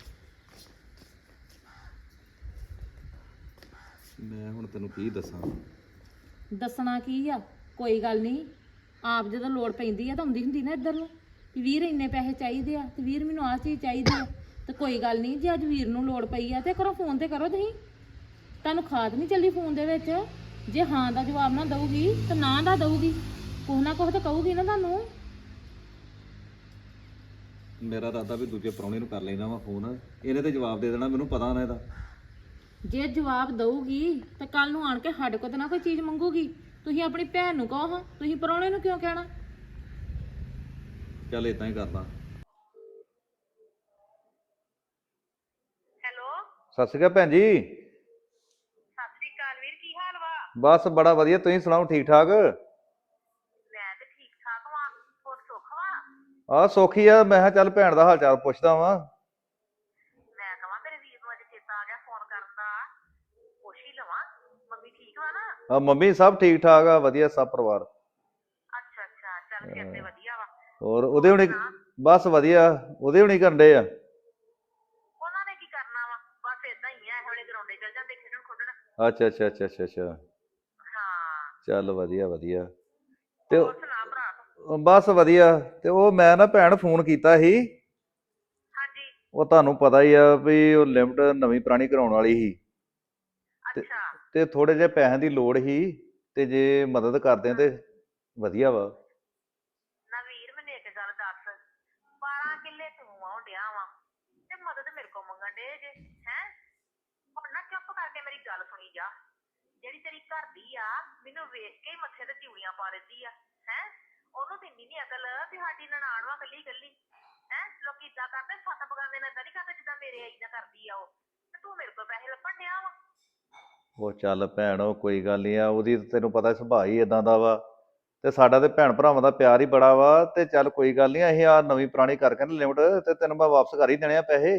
E: ਮੈਂ ਹੁਣ ਤੈਨੂੰ ਕੀ ਦੱਸਾਂ।
C: ਦੱਸਣਾ ਕੀ ਆ, ਕੋਈ ਗੱਲ ਨਹੀਂ। ਆਪ ਜਦੋਂ ਲੋੜ ਪੈਂਦੀ ਆ ਤਾਂ ਆਉਂਦੀ ਹੁੰਦੀ ਨਾ ਇੱਧਰ ਨੂੰ ਵੀ ਵੀਰ ਇੰਨੇ ਪੈਸੇ ਚਾਹੀਦੇ ਆ ਤੇ ਵੀਰ ਮੈਨੂੰ ਆਹ ਚੀਜ਼ ਚਾਹੀਦੀ ਆ। ਤੇ ਕੋਈ ਗੱਲ ਨਹੀਂ, ਜੇ ਅੱਜ ਵੀਰ ਨੂੰ ਲੋੜ ਪਈ ਆ ਤੇ ਕਰੋ ਫੋਨ ਤੇ ਕਰੋ। ਤੁਸੀਂ ਤੁਹਾਨੂੰ ਖਾਦ ਨਹੀਂ ਚੱਲੀ ਫੋਨ ਦੇ ਵਿੱਚ। ਜੇ ਹਾਂ ਦਾ ਜਵਾਬ ਨਾ ਦਊਗੀ ਤਾਂ ਨਾ ਦਾ ਦਊਗੀ, ਕੁਛ ਨਾ ਕੁਛ ਤਾਂ ਕਹੂਗੀ ਨਾ ਤੁਹਾਨੂੰ।
E: ਮੇਰਾ ਇਰਾਦਾ ਵੀ ਦੂਜੇ ਪ੍ਰਾਹੁਣੇ ਨੂੰ ਕਰ ਲੈਣਾ ਵਾ ਫੋਨ, ਇਹਨੇ ਤੇ ਜਵਾਬ ਦੇ ਦੇਣਾ, ਮੈਨੂੰ ਪਤਾ ਨਾ ਇਹਦਾ।
C: ਜੇ ਜਵਾਬ ਦਊਗੀ ਤਾਂ ਕੱਲ ਨੂੰ ਆਣ ਕੇ ਸਾਡੇ ਕੋਲ ਤਾਂ ਨਾ ਕੋਈ ਚੀਜ਼ ਮੰਗੂਗੀ। ਤੁਸੀਂ ਆਪਣੀ ਭੈਣ ਨੂੰ ਕਹੋ, ਹਾਂ ਤੁਸੀਂ ਪ੍ਰਾਹੁਣੇ ਨੂੰ ਕਿਉਂ ਕਹਿਣਾ?
E: ਚੱਲ ਇਦਾਂ ਹੀ ਕਰਦਾ।
F: ਹੈਲੋ,
E: ਸਤਿ ਸ਼੍ਰੀ ਅਕਾਲ ਭੈਣ ਜੀ।
F: ਸਤਿ ਸ੍ਰੀ ਅਕਾਲ ਵੀਰ, ਕੀ ਹਾਲ ਵਾ?
E: ਬਸ ਬੜਾ ਵਧੀਆ, ਤੁਸੀਂ ਸੁਣਾਓ ਠੀਕ ਠਾਕ?
F: ਮੈਂ ਤੇ ਠੀਕ ਠਾਕ ਵਾਂ, ਹੋਰ ਸੁੱਖ ਵਾ?
E: ਆਹ ਸੌਖੀ ਆ। ਮੈਂ ਕਿਹਾ ਚੱਲ ਭੈਣ ਦਾ ਹਾਲ ਚਾਲ ਪੁੱਛਦਾ ਵਾਂ।
F: ਮੈਂ ਕਹਾਂ ਮੇਰੇ ਵੀਰ ਨੂੰ ਅੱਜ ਚੇਤਾ ਆ ਗਿਆ ਫੋਨ ਕਰਨ ਦਾ, ਪੁੱਛ ਹੀ ਲਵਾਂ। ਮੰਮੀ ਠੀਕ ਵਾ ਨਾ?
E: ਆ ਮੰਮੀ ਸਭ ਠੀਕ ਠਾਕ ਆ, ਵਧੀਆ ਸਭ ਪਰਿਵਾਰ।
F: ਅੱਛਾ ਅੱਛਾ, ਚੱਲ ਫਿਰ ਤੇ ਵਧੀਆ ਵਾ।
E: ਹੋਰ ਉਹਦੇ
F: ਹੋਰ
E: ਹੁਣੀ?
F: ਸੁਣਾ?
E: ਬਸ ਵਧੀਆ। ਉਹਦੇ ਹੁਣੀ ਕਰਨ ਡੇ ਆ?
F: ਉਹਨਾਂ ਨੇ ਕੀ ਕਰਨਾ ਵਾ, ਬਸ ਏਦਾਂ ਹੀ ਆ, ਇਹੋ ਜਿਹੇ ਗਰਾਉਂਡੇ ਚਲ ਜਾਂਦੇ ਖੇਡਣ ਖੁੱਡਣ।
E: ਅੱਛਾ ਅੱਛਾ ਅੱਛਾ ਅੱਛਾ ਅੱਛਾ।
F: ਹਾਂ,
E: ਚੱਲ ਵਧੀਆ ਵਧੀਆ। ਤੇ
F: ਹੋਰ ਸੁਣਾ ਭਰਾ ਤੂੰ?
E: ਬਸ ਵਧੀਆ। ਤੇ ਉਹ ਮੈਂ ਨਾ ਭੈਣ ਫੋਨ ਕੀਤਾ ਸੀ।
F: ਹਾਂਜੀ।
E: ਉਹ ਤੁਹਾਨੂੰ ਪਤਾ ਹੀ ਆ ਵੀ ਉਹ ਲਿਮਟ ਨਵੀਂ ਪੁਰਾਣੀ ਕਰਾਉਣ ਵਾਲੀ ਸੀ। ਤੇ
F: ਅੱਛਾ।
E: ਤੇ ਥੋੜੇ ਜਿਹੇ ਪੈਸਿਆਂ ਦੀ ਲੋੜ ਸੀ, ਤੇ ਜੇ ਮਦਦ ਕਰਦੇ ਤੇ ਵਧੀਆ ਵਾ।
F: ਨਾ ਵੀਰ ਮੈਨੂੰ ਇੱਕ ਗੱਲ ਦੱਸ, 12 ਕਿੱਲੇ ਤੂੰ ਆਉਣ ਡਿਆ ਵਾ ਤੇ ਮਦਦ ਮੇਰੇ ਕੋਲ ਮੰਗਣ ਡੇ ਜੇ ਹੈ? ਹੁਣ ਨਾ ਚੁੱਪ ਕਰਕੇ ਮੇਰੀ ਗੱਲ ਸੁਣੀ ਜਾ। ਜਿਹੜੀ ਤੇਰੀ ਘਰ ਦੀ ਆ, ਮੈਨੂੰ ਵੇਖ ਕੇ ਹੀ ਮੱਥੇ ਤੇ ਤਿਉੜੀਆਂ ਪਾ ਦਿੰਦੀ ਆ ਹੈ। ਉਹਨੂੰ ਤੇ ਇੰਨੀ ਨੀ ਅਕਲ ਵੀ ਸਾਡੀ ਨਨਾਣ ਵਾ ਕੱਲੀ ਕੱਲੀ ਹੈ। ਲੋਕੀ ਇਦਾਂ ਕਰਦੇ, 7 ਬਗਾਨੇ ਨਾਲ ਏਦਾਂ ਨੀ ਕਰਦੇ ਜਿੱਦਾਂ ਮੇਰੇ ਆਈ ਨਾ ਕਰਦੀ ਆ ਉਹ। ਤੇ ਤੂੰ ਮੇਰੇ ਕੋਲ ਪੈਸੇ ਲੱਭਣ ਡਿਆ ਵਾ।
E: ਉਹ ਚੱਲ ਭੈਣ, ਉਹ ਕੋਈ ਗੱਲ ਨਹੀਂ ਆ। ਉਹਦੀ ਤਾਂ ਤੈਨੂੰ ਪਤਾ ਸੁਭਾਅ ਹੀ ਇਦਾਂ ਦਾ ਵਾ। ਤੇ ਸਾਡਾ ਤੇ ਭੈਣ ਭਰਾਵਾਂ ਦਾ ਪਿਆਰ ਹੀ ਬੜਾ ਵਾ। ਤੇ ਚੱਲ ਕੋਈ ਗੱਲ ਨਹੀਂ, ਅਸੀਂ ਆ ਨਵੀਂ ਪੁਰਾਣੀ ਕਰਕੇ ਨਾ ਲਿਮਟ ਤੇ ਤੈਨੂੰ ਮੈਂ ਵਾਪਸ ਕਰ ਹੀ ਦੇਣੇ ਆ ਪੈਸੇ।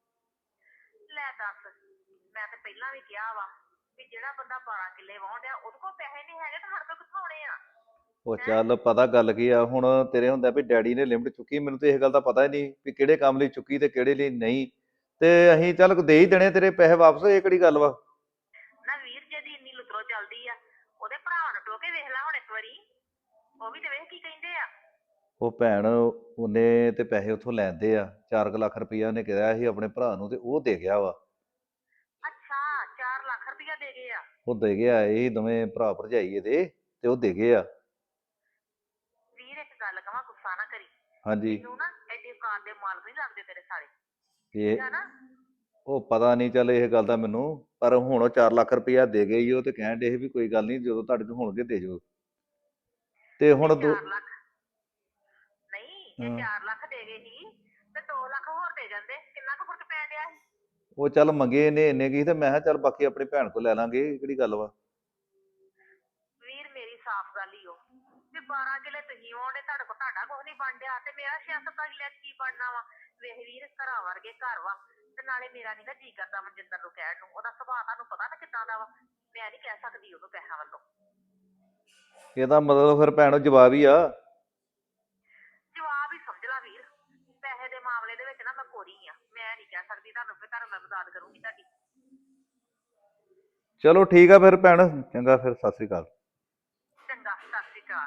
F: ਲੈ ਦੱਸ, ਮੈਂ ਤੇ ਪਹਿਲਾਂ ਵੀ ਕਿਹਾ ਵਾ ਵੀ ਜਿਹੜਾ ਬੰਦਾ 12 ਕਿੱਲੇ ਵਾਹੁਣ ਡਿਆ ਉਹਦੇ ਕੋਲ ਪੈਸੇ ਨਹੀਂ ਹੈਗੇ ਤਾਂ ਸਾਡੇ ਕੋਲ ਕਿੱਥੋਂ ਆਉਣੇ ਆ?
E: ਉਹ
F: ਹੈ।
E: ਚੱਲ ਪਤਾ ਗੱਲ ਕੀ ਆ ਹੁਣ, ਤੇਰੇ ਹੁੰਦਾ ਵੀ ਡੈਡੀ ਨੇ ਲਿਮਟ ਚੁੱਕੀ, ਮੈਨੂੰ ਤੇ ਇਹ ਗੱਲ ਦਾ ਪਤਾ ਹੀ ਨਹੀਂ ਵੀ ਕਿਹੜੇ ਕੰਮ ਲਈ ਚੁੱਕੀ ਤੇ ਕਿਹੜੇ ਲਈ ਨਹੀਂ। ਤੇ ਅਸੀਂ ਚੱਲ ਦੇ ਹੀ ਦੇਣੇ ਤੇਰੇ ਪੈਸੇ ਵਾਪਸ, ਇਹ ਕਿਹੜੀ ਗੱਲ ਵਾ।
F: ਨਾ ਵੀਰ, ਜੇ ਦੀ ਇੰਨੀ ਲੁਤਰੋ ਚੱਲਦੀ ਆ, ਉਹਦੇ ਭਰਾ ਨੂੰ ਟੋਕੇ ਵੇਖ ਲੈ ਹੁਣ ਇੱਕ ਵਾਰੀ। ਉਹ ਵੀ ਤੇ ਵੇਖ ਕੀ ਕਹਿੰਦੇ ਆ।
E: ਉਹ ਭੈਣ, ਉਹਨੇ ਤੇ ਪੈਸੇ ਉੱਥੋਂ ਲੈਂਦੇ ਆ 4 ਲੱਖ ਰੁਪਈਆ ਉਹਨੇ ਕਿਹਾ ਸੀ ਆਪਣੇ ਭਰਾ ਨੂੰ, ਤੇ ਉਹ ਦੇ ਗਿਆ ਵਾ।
F: ਅੱਛਾ, 4 ਲੱਖ ਰੁਪਇਆ ਦੇ ਗਏ ਆ?
E: ਉਹ ਦੇ ਗਿਆ, ਇਹ ਦੋਵੇਂ ਭਰਾ ਭਰਜਾਈ ਇਹਦੇ, ਤੇ ਉਹ ਦੇ ਗਏ ਆ।
F: ਵੀਰ ਇੱਕ ਗੱਲ ਕਵਾਂ, ਗੁੱਸਾ ਨਾ ਕਰੀ।
E: ਹਾਂਜੀ।
F: ਮੈਨੂੰ ਨਾ ਐਡੀ ਔਕਾਤ ਦੇ ਮਾਲਕ ਨਹੀਂ ਲੱਗਦੇ ਤੇਰੇ ਸਾਰੇ,
E: ਇਹ
F: ਠੀਕ ਆ ਨਾ?
E: ਉਹ ਪਤਾ ਨਹੀਂ, ਚੱਲ ਇਹ ਗੱਲ ਦਾ ਮੈਨੂੰ। ਪਰ ਹੁਣ ਉਹ 4 ਲੱਖ ਰੁਪਈਆ ਦੇ ਗਏ ਹੀ, ਉਹ ਤੇ ਕਹਿਣ ਡੇ ਸੀ ਵੀ ਕੋਈ ਗੱਲ ਨਹੀਂ, ਜਦੋਂ ਤੁਹਾਡੇ ਕੋਲ ਹੋਣਗੇ ਦੇ ਜਾਓ। ਤੇ
F: ਜੇ
E: ਹੁਣ
F: 4 ਲੱਖ ਨਹੀਂ, ਜੇ
E: ਹਾਂ,
F: 4 ਲੱਖ ਦੇ ਗਏ ਸੀ ਤੇ 2 ਲੱਖ ਹੋਰ ਦੇ ਜਾਂਦੇ, ਕਿੰਨਾ ਕੁ ਫਰਕ ਪੈ ਗਿਆ ਸੀ?
E: ਉਹ ਚੱਲ ਮੰਗੇ ਨੇ ਇੰਨੇ ਕੀ, ਤੇ ਮੈਂ ਕਿਹਾ ਚੱਲ ਬਾਕੀ ਆਪਣੀ ਭੈਣ ਕੋਲ ਲੈ ਲਾਂਗੇ, ਇਹ ਕਿਹੜੀ ਗੱਲ ਵਾ।
F: ਵੀਰ ਮੇਰੀ ਸਾਫ਼ ਗੱਲ ਹੀ ਉਹ ਵੀ 12 ਕਿੱਲੇ ਤੁਸੀਂ ਆਉਣੇ, ਤੁਹਾਡੇ ਕੋਲ ਤੁਹਾਡਾ ਕੁਝ ਨਹੀਂ ਬਣ ਡਿਆ ਤੇ ਮੇਰਾ 6-7 ਕਿੱਲੇ ਕੀ ਬਣਨਾ ਵਾ? ਵੇਖ ਵੀਰ, ਘਰਾਂ ਵਰਗੇ ਘਰ ਵਾ ਤੇ ਨਾਲੇ ਮੇਰਾ ਨੀ ਨਾ ਜੀ ਕਰਦਾ ਮਨਜਿੰਦਰ ਨੂੰ ਕਹਿਣ ਨੂੰ। ਉਹਦਾ ਸੁਭਾਅ ਤੁਹਾਨੂੰ ਪਤਾ ਨਾ ਕਿੱਦਾਂ ਦਾ ਵਾ। ਮੈਂ ਨਹੀਂ ਕਹਿ ਸਕਦੀ ਉਹਨੂੰ ਪੈਸਿਆਂ ਵੱਲੋਂ।
E: ਇਹਦਾ ਮਤਲਬ ਫਿਰ ਭੈਣ ਜਵਾਬ ਹੀ ਆ।
F: ਜਵਾਬ ਹੀ ਸਮਝ ਲਾ ਵੀਰ, ਪੈਸੇ ਦੇ ਮੈਂ ਨਹੀਂ ਕਹਿ ਸਕਦੀ ਤੁਹਾਨੂੰ ਵੀ ਤੁਹਾਨੂੰ ਮੈਂ ਮਦਦ ਕਰੂੰਗੀ ਤੁਹਾਡੀ।
E: ਚਲੋ ਠੀਕ ਆ ਫਿਰ ਭੈਣ, ਚੰਗਾ ਫਿਰ, ਸਤਿ ਸ੍ਰੀ ਅਕਾਲ।
F: ਚੰਗਾ, ਸਤਿ ਸ਼੍ਰੀ ਅਕਾਲ।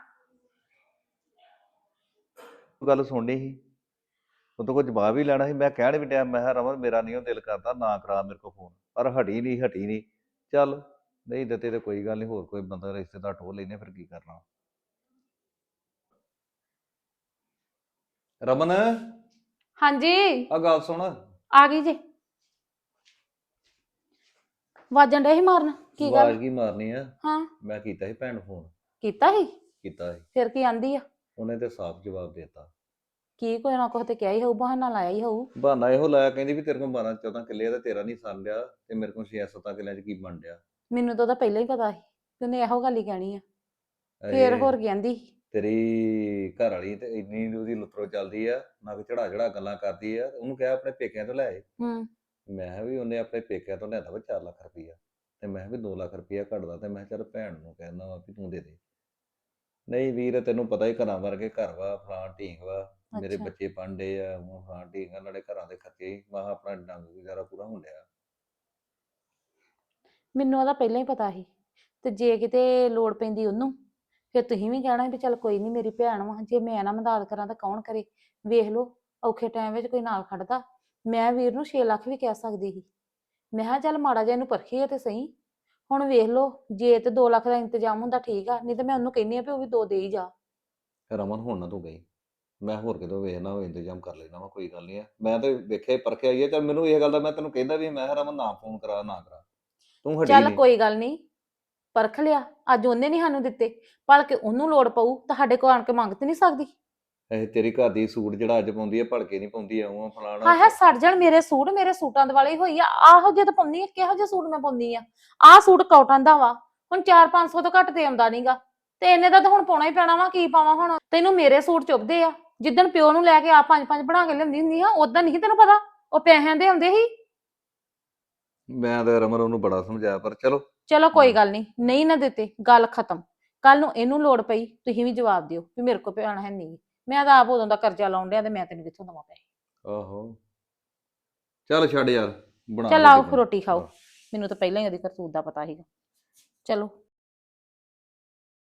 E: ਗੱਲ ਸੁਣਨੀ ਸੀ, ਉਹ ਤੋਂ ਕੋਈ ਜਵਾਬ ਹੀ ਲੈਣਾ ਸੀ। ਮੈਂ ਕਹਿਣ ਵੀ ਡਿਆ, ਮੈਂ ਕਿਹਾ ਰਮਨ ਮੇਰਾ ਨਹੀਂ ਉਹ ਦਿਲ ਕਰਦਾ, ਨਾ ਕਰਾ ਮੇਰੇ ਕੋਲ ਫੋਨ, ਪਰ ਹਟੀ ਨਹੀਂ। ਚੱਲ ਨਹੀਂ ਦਿੱਤੇ ਤੇ ਕੋਈ ਗੱਲ ਨਹੀਂ, ਹੋਰ ਕੋਈ ਬੰਦਾ ਰਿਸ਼ਤੇਦਾਰ ਟੋਹ ਲੈਨੇ, ਫਿਰ ਕੀ ਕਰਨਾ। ਰਮਨ
C: ਹਾਂਜੀ
E: ਆ ਗੱਲ ਸੁਣ,
C: ਆ ਗਈ ਜੇ। ਵਾਜਣ ਡੇ ਸੀ ਮਾਰਨ, ਕੀ ਗੱਲ?
E: ਆਵਾਜ਼ ਕੀ ਮਾਰਨੀ ਆ?
C: ਹਾਂ
E: ਮੈਂ ਕੀਤਾ ਸੀ ਭੈਣ ਨੂੰ ਫੋਨ,
C: ਕੀਤਾ ਸੀ?
E: ਕੀਤਾ ਸੀ,
C: ਫਿਰ ਕੀ ਆਂਦੀ ਆ?
E: ਉਹਨੇ ਤੇ ਸਾਫ਼ ਜਵਾਬ ਦੇਤਾ।
C: ਕੀ ਕੋਈ ਨਾ ਕੁਛ ਤੇ ਕਿਹਾ ਹੀ ਹੋਊ, ਬਹਾਨਾ ਲਾਇਆ ਹੀ ਹੋਊ।
E: ਬਹਾਨਾ ਇਹੋ ਲਾਇਆ, ਕਹਿੰਦੀ ਵੀ ਤੇਰੇ ਕੋਲ 12-14 ਕਿੱਲੇ ਆ ਤੇ ਤੇਰਾ ਨਹੀਂ ਸਰ ਲਿਆ, ਤੇ ਮੇਰੇ ਕੋਲ 6-7 ਕਿੱਲਿਆਂ 'ਚ ਕੀ ਬਣ ਡਿਆ।
C: ਮੈਨੂੰ ਤਾਂ ਉਹਦਾ ਪਹਿਲਾਂ ਹੀ ਪਤਾ ਸੀ ਕਿ ਉਹਨੇ ਇਹੋ ਗੱਲ ਹੀ ਕਹਿਣੀ ਆ। ਫੇਰ
E: ਇਹ
C: ਹੋਰ ਕਹਿੰਦੀ
E: ਤੇਰੀ ਘਰ ਵਾਲੀ ਤੇ ਇੰਨੀ ਉਹਦੀ ਲੁੱਤਰੋ ਚੱਲਦੀ ਆ, ਨਾ ਕਿ ਚੜਾ ਗੱਲਾਂ ਕਰਦੀ ਆ। ਉਹਨੂੰ ਕਿਹਾ ਆਪਣੇ ਪੇਕਿਆਂ ਤੋਂ ਲੈ ਆਏ।
C: ਹੂੰ
E: ਮੈਂ ਕਿਹਾ ਵੀ ਉਹਨੇ ਆਪਣੇ ਪੇਕਿਆਂ ਤੋਂ ਲਿਆਂਦਾ ਵਾ 4 ਲੱਖ ਰੁਪਈਆ, ਤੇ ਮੈਂ ਕਿਹਾ ਵੀ 2 ਲੱਖ ਰੁਪਈਆ ਘੱਟਦਾ, ਤੇ ਮੈਂ ਕਿਹਾ ਚੱਲ ਭੈਣ ਨੂੰ ਕਹਿਣਾ ਵਾ ਵੀ ਤੂੰ ਦੇ ਦੇ। ਨਹੀਂ ਵੀਰ, ਤੈਨੂੰ ਪਤਾ ਹੀ ਘਰਾਂ ਵਰਗੇ ਘਰ ਵਾ, ਫਲਾਂ ਢੀਂਗ ਵਾ, ਮੇਰੇ
C: ਅੱਛਾ
E: ਬੱਚੇ ਪੜ੍ਹਦੇ ਆ, ਉਹ ਫਲਾਂ ਢੀਂਗ ਆ, ਨਾਲੇ ਘਰਾਂ ਦੇ ਖਰਚੇ ਹੀ, ਮੈਂ ਕਿਹਾ ਆਪਣਾ ਡੰਗ ਗੁਜ਼ਾਰਾ ਪੂਰਾ ਹੋਣ ਡਿਆ।
C: ਮੈਨੂੰ ਉਹਦਾ ਪਹਿਲਾਂ ਹੀ ਪਤਾ ਸੀ। ਤੇ ਜੇ ਕਿਤੇ ਲੋੜ ਪੈਂਦੀ ਉਹਨੂੰ, ਫਿਰ ਤੁਸੀਂ ਵੀ ਕਹਿਣਾ ਵੀ ਚੱਲ ਕੋਈ ਨਹੀਂ ਮੇਰੀ ਭੈਣ ਵਾ, ਜੇ ਮੈਂ ਨਾ ਮਦਦ ਕਰਾਂ ਤਾਂ ਕੌਣ ਕਰੇ। ਵੇਖ ਲਓ ਔਖੇ ਟਾਈਮ ਵਿੱਚ ਕੋਈ ਨਾਲ ਖੜਦਾ। ਮੈਂ ਵੀਰ ਨੂੰ 6 ਲੱਖ ਵੀ ਕਹਿ ਸਕਦੀ ਸੀ, ਮੈਂ ਕਿਹਾ ਚੱਲ ਮਾੜਾ ਜਿਹਾ ਇਹਨੂੰ ਪਰਖੀਏ ਤੇ ਸਹੀ। ਹੁਣ ਵੇਖ ਲਓ, ਜੇ ਤੇ 2 ਲੱਖ ਦਾ ਇੰਤਜ਼ਾਮ ਹੁੰਦਾ ਠੀਕ ਆ, ਨਹੀਂ ਤੇ ਮੈਂ ਉਹਨੂੰ ਕਹਿੰਦੀ ਆ ਵੀ ਉਹ ਵੀ 2 ਦੇ ਹੀ ਜਾ।
E: ਰਮਨ ਹੁਣ ਨਾ ਤੂੰ ਗਈ, ਮੈਂ ਹੋਰ ਕਿਤੋਂ ਵੇਖਣਾ ਉਹ ਇੰਤਜ਼ਾਮ ਕਰ ਲੈਣਾ ਵਾ, ਕੋਈ ਗੱਲ ਨਹੀਂ ਆ। ਮੈਂ ਤਾਂ ਵੇਖਿਆ ਪਰਖਿਆ ਹੀ ਆ। ਚੱਲ ਮੈਨੂੰ ਇਹ ਗੱਲ ਦਾ ਮੈਂ ਤੈਨੂੰ ਕਹਿੰਦਾ ਵੀ, ਮੈਂ ਕਿਹਾ ਰਮਨ ਨਾ ਫੋਨ ਕਰਾ, ਨਾ ਕਰਾ, ਤੂੰ ਹਟੀ
C: ਚੱਲ
E: ਨਹੀਂ।
C: ਕੋਈ ਗੱਲ ਨਹੀਂ, ਪਰਖ ਲਿਆ। ਅੱਜ ਉਹਨੇ ਨਹੀਂ ਸਾਨੂੰ ਦਿੱਤੇ, ਭਲਕੇ ਉਹਨੂੰ ਲੋੜ ਪਊ ਤਾਂ ਸਾਡੇ ਕੋਲ ਆਣ ਕੇ ਮੰਗ ਤੇ ਨਹੀਂ ਸਕਦੀ।
E: ਇਹ ਤੇਰੀ ਘਰ ਦੀ ਸੂਟ ਜਿਹੜਾ ਅੱਜ ਪਾਉਂਦੀ ਆ, ਭਲਕੇ ਨਹੀਂ ਪਾਉਂਦੀ ਆ, ਉਹ ਫਲਾਣਾ।
C: ਹਾਏ ਹਾਏ ਸੜ ਜਾਣ ਮੇਰੇ ਸੂਟ, ਮੇਰੇ ਸੂਟਾਂ ਦੇ ਵਾਲੇ ਹੀ ਹੋਈ ਆ। ਆਹੋ ਜੇ ਤਾਂ ਪਾਉਂਦੀ ਆ, ਕਿਹੋ ਜਿਹਾ ਸੂਟ ਮੈਂ ਪਾਉਂਦੀ ਆ? ਆਹ ਸੂਟ ਕਾਟਨ ਦਾ ਵਾ, ਹੁਣ 400-500 ਤੋਂ ਘੱਟ ਤੇ ਆਉਂਦਾ ਨਹੀਂਗਾ, ਤੇ ਇਹਨੇ ਦਾ ਤਾਂ ਹੁਣ ਪਾਉਣਾ ਹੀ ਪੈਣਾ ਵਾ। ਕੀ ਪਾਵਾਂ ਹੁਣ? ਤੈਨੂੰ ਮੇਰੇ ਸੂਟ ਚੁੱਭਦੇ ਆ। ਜਿੱਦਣ ਪਿਓ ਨੂੰ ਲੈ ਕੇ ਆ 5-5 ਬਣਾ ਕੇ ਲਿਆਉਂਦੀ ਹੁੰਦੀ ਆ, ਉਦੋਂ ਨਹੀਂ ਤੈਨੂੰ ਪਤਾ, ਉਹ ਪੈਸਿਆਂ ਦੇ ਹੁੰਦੇ ਸੀ।
E: ਮੈਂ ਤਾਂ ਰਮਨ ਉਹਨੂੰ ਬੜਾ ਸਮਝਾਇਆ, ਪਰ ਚਲੋ।
C: ਚਲੋ ਕੋਈ ਗੱਲ ਨਹੀਂ, ਨਹੀਂ ਨਾ ਦਿੱਤੇ, ਗੱਲ ਖਤਮ। ਕੱਲ ਨੂੰ ਇਹਨੂੰ ਲੋੜ ਪਈ, ਤੁਸੀਂ ਵੀ ਜਵਾਬ ਦਿਓ ਵੀ ਮੇਰੇ ਕੋਲ ਭੈਣ ਹੈ ਨਹੀਂ। ਮੈਂ ਤਾਂ ਆਪ ਉਦੋਂ ਦਾ ਕਰਜ਼ਾ ਲਾਉਣ ਡਿਆ, ਤੇ ਮੈਂ ਤੈਨੂੰ ਕਿੱਥੋਂ ਦੇਵਾਂ ਪੈਸੇ?
E: ਆਹੋ ਚੱਲ ਛੱਡ ਯਾਰ, ਬਣਾ
C: ਚੱਲ
E: ਰੋਟੀ
C: ਆਓ
E: ਪਾਣੀ।
C: ਰੋਟੀ ਖਾਓ।
E: ਆਹ।
C: ਮੈਨੂੰ ਤਾਂ ਪਹਿਲਾਂ ਹੀ ਉਹਦੀ ਕਰਤੂਤ ਦਾ ਪਤਾ ਸੀਗਾ। ਚਲੋ